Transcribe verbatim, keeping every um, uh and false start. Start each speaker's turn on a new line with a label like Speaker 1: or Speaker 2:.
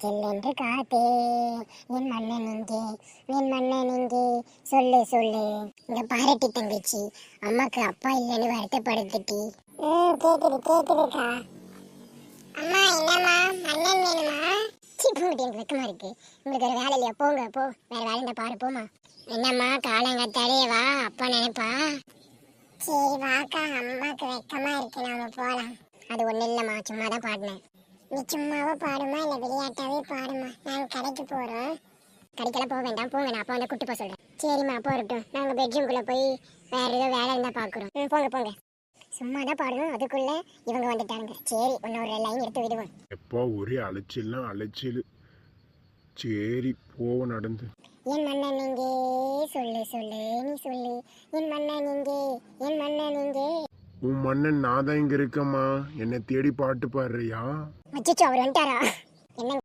Speaker 1: சில்லென்று காத்தே என் மன்னன் இங்கே என் மன்னன் இங்கே சொல்லு சொல்லு. இங்க பாரட்டி தங்கச்சி, அம்மாக்கு அப்பா இல்லைன்னு வருத்தப்படுத்துட்டி. ம் கேக்குது கேக்குதுக்கா. அம்மா என்னம்மா மன்னன் வேணுமா? சி போங்கட்டி, எனக்கு வெக்கமா இருக்கு. உங்களுக்கு ஒரு வேலை இல்லையா? போங்க போ, வேற வேலை இருந்தா பாரு போமா. என்னம்மா காலங்கத்தாலே வா, அப்பா நினைப்பா. சரி வாக்கா, அம்மாக்கு வெக்கமா இருக்கு, நாம போலாம். அது ஒண்ணு இல்லம்மா, சும்மா தான் பாடினேன். நீ சும்மாவா பாடுமா இல்ல விளையாட்டாவே பாடுமா? நாங்க கடைக்கு போறோம். கடைக்கெல்லாம் போக வேண்டாம், போங்க, நான் அப்பா வந்து கூட்டு போக சொல்றேன். சரிம்மா போறட்டும், நாங்க பெட்ரூம்குள்ள போய் வேற ஏதோ வேலை இருந்தா பாக்குறோம். ம் போங்க போங்க. சும்மா தான் பாடணும், அதுக்குள்ள இவங்க வந்துட்டாங்க. சரி இன்னொரு லைன் எடுத்து விடுவோம்.
Speaker 2: எப்போ ஒரே அலைச்சல்னா அலைச்சல். சரி போவோம் நடந்து.
Speaker 1: என் மன்னன் இங்கே சொல்லு சொல்லு நீ சொல்லு. என் மன்னன் இங்கே என் மன்னன் இங்கே.
Speaker 2: உன் மன்னன் நான் தான் இங்க இருக்கம்மா. என்னை தேடி பாட்டு பாடுறியா?
Speaker 1: அச்சச்சோ, அவர் வந்துட்டாரா? என்ன